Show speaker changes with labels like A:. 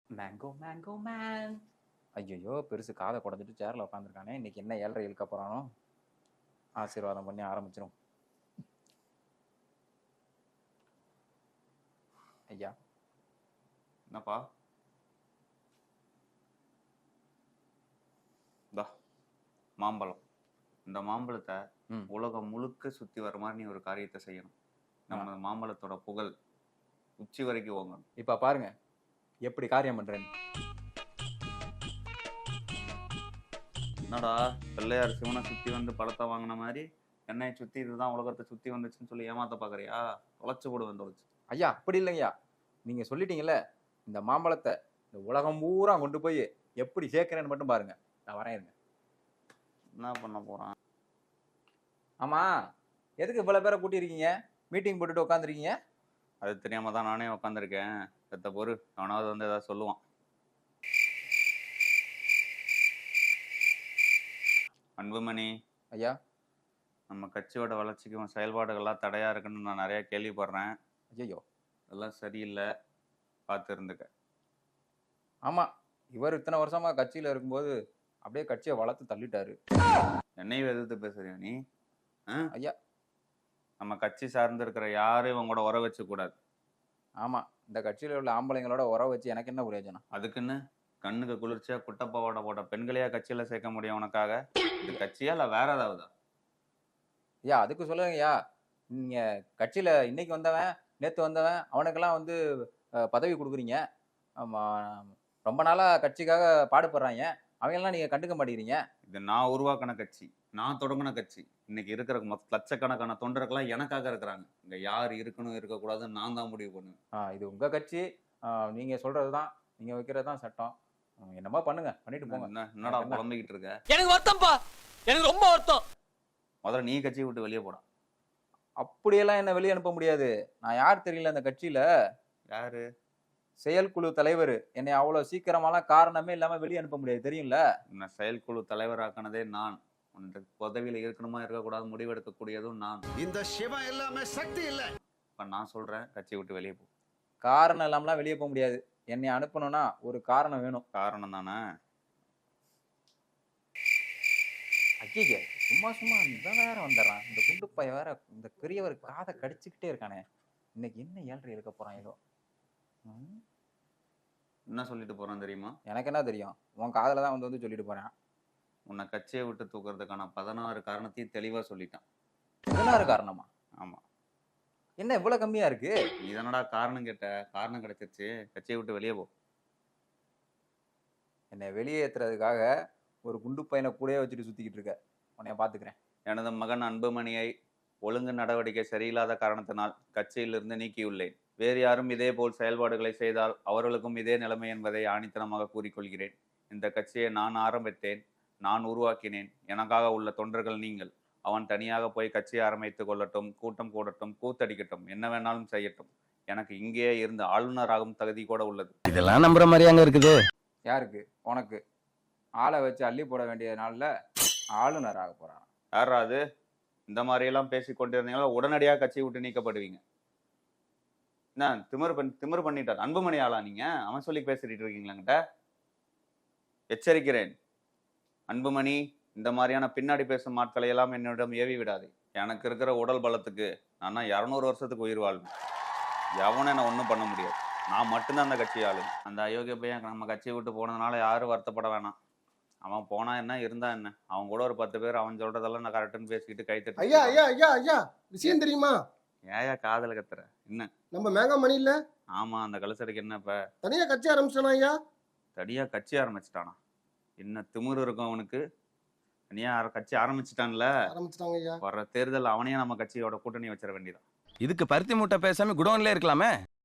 A: Mango mango man. ஐயோ பெருசு காதை குடஞ்சிட்டு சேர்ல உட்காந்துருக்கானே. இன்னைக்கு என்ன 7:30 இழுக்க போறானோ. ஆசீர்வாதம் பண்ணி ஆரம்பிச்சிரும். ஐயா
B: என்னப்பா? இந்தா மாம்பழம். இந்த மாம்பழத்தை உலகம் முழுக்க சுத்தி வர மாதிரி நீ ஒரு காரியத்தை செய்யணும். நம்ம மாம்பழத்தோட புகழ் உச்சி வரைக்கும் ஓங்கணும்.
A: இப்ப பாருங்க எப்படி காரியம் பண்றேன்னு.
B: என்னடா பிள்ளையார் சிவனை சுத்தி வந்து பழத்தை வாங்கின மாதிரி என்னை சுத்தி இதுதான் உலகத்தை சுத்தி வந்துச்சுன்னு சொல்லி ஏமாத்த பாக்குறியா? தொலைச்சு போடுவேன் தொலைச்சு.
A: ஐயா அப்படி இல்லைங்கய்யா, நீங்க சொல்லிட்டீங்கல்ல, இந்த மாம்பழத்தை இந்த உலகம் பூரா கொண்டு போய் எப்படி சேர்க்கிறேன்னு மட்டும் பாருங்க. நான் வரேன் இருங்க.
B: என்ன பண்ண போறான்?
A: ஆமா, எதுக்கு இவ்வளவு பேரை கூட்டியிருக்கீங்க? மீட்டிங் போட்டுட்டு உட்காந்துருக்கீங்க?
B: அது தெரியாம தான் நானே உட்காந்துருக்கேன். செத்த பொறு அவனாவது வந்து ஏதாவது சொல்லுவான். அன்புமணி
A: ஐயா,
B: நம்ம கட்சியோட வளர்ச்சிக்கும் செயல்பாடுகள்லாம் தடையா இருக்குன்னு நான் நிறைய கேள்விப்படுறேன்.
A: ஐயோ
B: அதெல்லாம் சரியில்லை, பார்த்து இருந்துக்க.
A: ஆமா, இவர் இத்தனை வருஷமா கட்சியில இருக்கும்போது அப்படியே கட்சியை வளர்த்து தள்ளிட்டாரு.
B: என்னையும் எதிர்த்து பேசுறியா நீ?
A: ஐயா,
B: நம்ம கட்சி சார்ந்து இருக்கிற யாரும் இவங்க கூட உற வச்சு கூடாது.
A: ஆமா, இந்த கட்சியில உள்ள ஆம்பளைங்களோட உறவு வச்சு எனக்கு என்ன பிரயோஜனம்?
B: அதுக்குன்னு கண்ணுக்கு குளிர்ச்சியா குட்டப்பாவோட போட்ட பெண்களையா கட்சியில சேர்க்க முடியும் உனக்காக? இது கட்சியா இல்ல வேற ஏதாவது?
A: ஐயா அதுக்கு சொல்லுங்கய்யா, நீங்க கட்சியில இன்னைக்கு வந்தவன் நேத்து வந்தவன் அவனுக்கெல்லாம் வந்து பதவி கொடுக்குறீங்க. ஆமா, ரொம்ப நாளா கட்சிக்காக பாடுபடுறாங்க, அவங்கெல்லாம் நீங்க கண்டுக்க மாட்டேங்கிறீங்க.
B: இது நான் உருவாக்கின கட்சி, நான் தொடங்கின கட்சி. இன்னைக்கு இருக்கிற லட்சக்கணக்கான தொண்டர்கள்லாம் எனக்காக இருக்கிறாங்க. இங்க யார் இருக்கணும் இருக்கக்கூடாதுன்னு நான் தான் முடிவு பண்ணுவேன்.
A: இது உங்க கட்சி, நீங்க சொல்றதுதான், நீங்க வைக்கிறதுதான் சட்டம். என்னமா பண்ணுங்க, பண்ணிட்டு போங்க.
B: என்னடா புலம்பிக்கிட்டு இருக்க?
C: எனக்கு வருத்தம்ப்பா, எனக்கு ரொம்ப வருத்தம்.
B: முதல்ல நீ கட்சியை விட்டு வெளியே போடா.
A: அப்படியெல்லாம் என்ன வெளியே அனுப்ப முடியாது. நான் யார் தெரியல அந்த கட்சியில.
B: யாரு?
A: செயற்குழு தலைவர். என்னை அவ்வளவு சீக்கிரமாலாம் காரணமே இல்லாம வெளியே அனுப்ப முடியாது, தெரியும்ல?
B: என்ன செயற்குழு தலைவராக்கினதே நான். உனக்கு பதவியில இருக்கணுமா இருக்கக்கூடாது முடிவெடுக்கக்கூடியதும் நான்.
D: இந்த சிவம் எல்லாமே சக்தி இல்ல.
B: இப்ப நான் சொல்றேன், கட்சியை விட்டு வெளியே போ.
A: காரணம் இல்லாமலாம் வெளியே போக முடியாது. என்னை அனுப்பணும்னா ஒரு காரணம் வேணும்.
B: காரணம் தானே?
A: ஐயா சும்மா சும்மா இவன் வேற வந்துடுறான். இந்த குண்டு பைய வேற இந்த பெரியவர் காதை கடிச்சுக்கிட்டே இருக்கானே. இன்னைக்கு என்ன 7:30 இருக்க போறான் ஏதோ.
B: என்ன சொல்லிட்டு போறான் தெரியுமா?
A: எனக்கு என்ன தெரியும், உன் காதல தான் வந்து சொல்லிட்டு போறேன்.
B: உன்னை கட்சியை விட்டு தூக்குறதுக்கான 16 காரணத்தையும் தெளிவா சொல்லிட்டான்.
A: 16 காரணமா?
B: ஆமா.
A: என்ன இவ்வளவு கம்மியா இருக்கு?
B: இதனடா காரணம் கேட்ட? காரணம் கிடைச்சிருச்சு, கட்சியை விட்டு வெளியே போ.
A: என்னை வெளியேற்றுறதுக்காக ஒரு குண்டு பையனை கூடயே வச்சுட்டு சுத்திக்கிட்டு இருக்க. உன்னைய பாத்துக்கிறேன்.
B: எனது மகன் அன்புமணியை ஒழுங்கு நடவடிக்கை சரியில்லாத காரணத்தினால் கட்சியிலிருந்து நீக்கியுள்ளேன். வேறு யாரும் இதே போல் செயல்பாடுகளை செய்தால் அவர்களுக்கும் இதே நிலைமை என்பதை ஆணித்தனமாக கூறிக்கொள்கிறேன். இந்த கட்சியை நான் ஆரம்பித்தேன், நான் உருவாக்கினேன். எனக்காக உள்ள தொண்டர்கள் நீங்கள். அவன் தனியாக போய் கட்சியை ஆரம்பித்துக் கொள்ளட்டும், கூட்டம் கூடட்டும், கூத்தடிக்கட்டும், என்ன வேணாலும் செய்யட்டும். எனக்கு இங்கேயே இருந்து ஆளுநராகும் தகுதி கூட உள்ளது.
C: இதெல்லாம் நம்புற மாதிரியாங்க இருக்குது?
A: யாருக்கு? உனக்கு. ஆளை வச்சு அள்ளி போட வேண்டிய நாள்ல ஆளுநர் ஆக போறான்.
B: யாராவது இந்த மாதிரி எல்லாம் பேசி கொண்டிருந்தீங்களா உடனடியாக கட்சியை விட்டு நீக்கப்படுவீங்க. என்ன திமிரு பண்ணிட்டார் அன்புமணி ஆளா நீங்க? அவன் சொல்லி பேசிட்டு இருக்கீங்களாங்கிட்ட. எச்சரிக்கிறேன் அன்புமணி, இந்த மாதிரியான பின்னாடி பேசும் ஆட்களை எல்லாம் என்னிடம் ஏவி விடாது. எனக்கு இருக்கிற உடல் பலத்துக்கு நான் 200 வருஷத்துக்கு உயிர் வாழ்வேன். எவனும் என்ன ஒன்றும் பண்ண முடியாது. நான் மட்டும்தான் அந்த கட்சி ஆளு. அந்த அயோக்கிய பையன் நம்ம கட்சியை விட்டு போனதுனால யாரும் வருத்தப்பட வேணாம். அவன் போனா என்ன இருந்தா என்ன, அவன் கூட ஒரு 10 பேர் அவன் சொல்றதெல்லாம் நான் கரெக்டுன்னு பேசிக்கிட்டு கை தட்டி.
D: ஐயா ஐயா ஐயா ஐயா, விஷயம் தெரியுமா?
B: ஏயா காதல கத்துற? என்ன
D: நம்ம மேங்கா மணி இல்ல?
B: ஆமா, அந்த கலசடைக்கு என்ன இப்ப
D: தனியா கட்சி ஆரம்பிச்சானா ஐயா?
B: தனியா கட்சி ஆரம்பிச்சிட்டானா? என்ன திமிரு இருக்கும் அவனுக்கு? தனியா கட்சி ஆரம்பிச்சிட்டான்ல.
D: ஆரம்பிச்சிட்டாங்க ஐயா.
B: வர்ற தேர்தல் அவனையே நம்ம கட்சியோட கூட்டணி வச்சிட வேண்டியதான்.
C: இதுக்கு பருத்தி மூட்டை பேசாம குடோன்ல இருக்கலாமே.